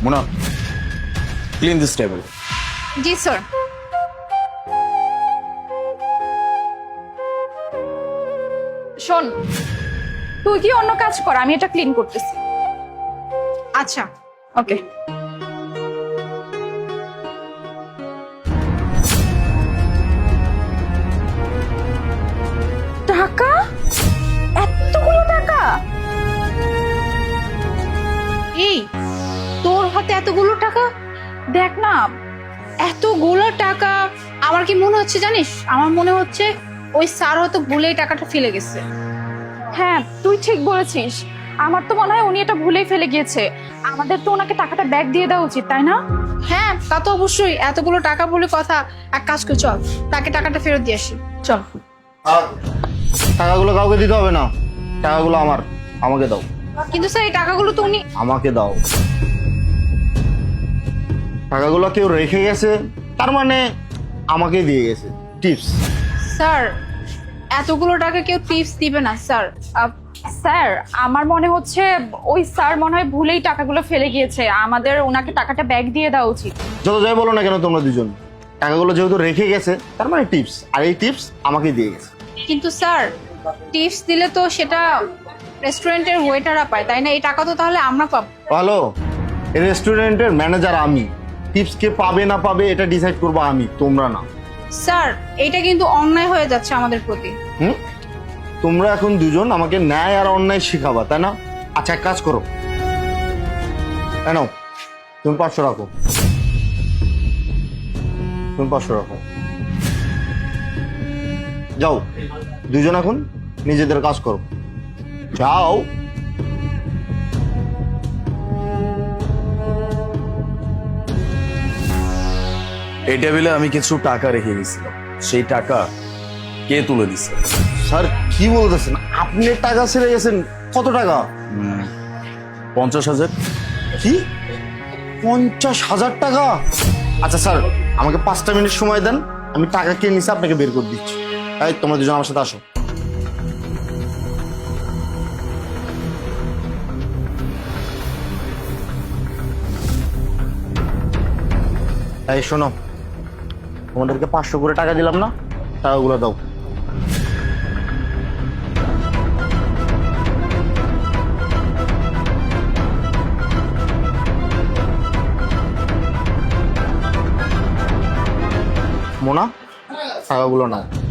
Mona, clean this table. জি sir. শোন, তুই কি অন্য কাজ কর, আমি এটা ক্লিন করতেছি। আচ্ছা, ওকে। টাকা, এতগুলো টাকা! এই, তোর হাতে এতগুলো টাকা? দেখ না, এতগুলো টাকা। আমার কি মনে হচ্ছে জানিস, আমার মনে হচ্ছে ওই স্যার হয়তো ভুলেই টাকাটা ফেলে গেছে। হ্যাঁ, তুই ঠিক বলেছিস। আমার তো মনে হয় উনি এটা ভুলেই ফেলে গিয়েছে। আমাদের তো ওনাকে টাকাটা ব্যাক দিয়ে দেওয়া উচিত, তাই না? হ্যাঁ, তা তো অবশ্যই। এতগুলো টাকা বলে কথা। এক কাজ করে চল, তাকে টাকাটা ফেরত দিয়ে আসি। চল। আর টাকাগুলো কাউকে দিতে হবে না, টাকাগুলো আমার, আমাকে দাও। কিন্তু স্যার, এই টাকাগুলো তো উনি... আমাকে দাও। টাকাগুলো কেউ রেখে গেছে, তার মানে আমাকে দিয়ে গেছে টিপস। স্যার, এতগুলো টাকা কেউ টিপস দিবে না স্যার। স্যার, আমার মনে হচ্ছে ওই স্যার মনে হয় ভুলেই টাকাগুলো ফেলে গিয়েছে। আমাদের ওনাকে টাকাটা ব্যাক দিয়ে দেওয়া উচিত। যত যাই বলো না কেন তোমরা দুজন, টাকাগুলো যেহেতু রেখে গেছে তার মানে টিপস, আর এই টিপস আমাকে দিয়ে গেছে। কিন্তু স্যার, টিপস দিলে তো সেটা রেস্টুরেন্টের ওয়েটাররা পায়, তাই না? এই টাকা তো তাহলে আমরা পাবো। ভালো, এই রেস্টুরেন্টের ম্যানেজার আমি। টিপস কে পাবে না পাবে এটা ডিসাইড করবো আমি, তোমরা না। স্যার, এটা কিন্তু অন্যায় হয়ে যাচ্ছে আমাদের প্রতি। তোমরা এখন দুজন আমাকে ন্যায় আর অন্যায় শিখাবা, তাই না? আচ্ছা, এক কাজ করো, নাও তুমি 500 রাখো, তুমি 500 রাখো। যাও, দুজন এখন নিজেদের কাজ করো, যাও। এই টেবিলে আমি কিছু টাকা রেখে গেছিলাম, সেই টাকা কে তুলে দিছে? স্যার কি বলতেছেন, আপনি টাকা ছেড়ে গেছেন? কত টাকা? 50,000। কি, 50,000 টাকা? আচ্ছা স্যার, আমাকে 5টা মিনিট সময় দেন, আমি টাকা কে নিছে আপনাকে বের করে দিচ্ছি। এই তোমরা দুজন আমার সাথে আসো। এই শোনো, তোমাদেরকে 500 করে টাকা দিলাম না, টাকাগুলো দাও। মোনা, টাকাগুলো নাও।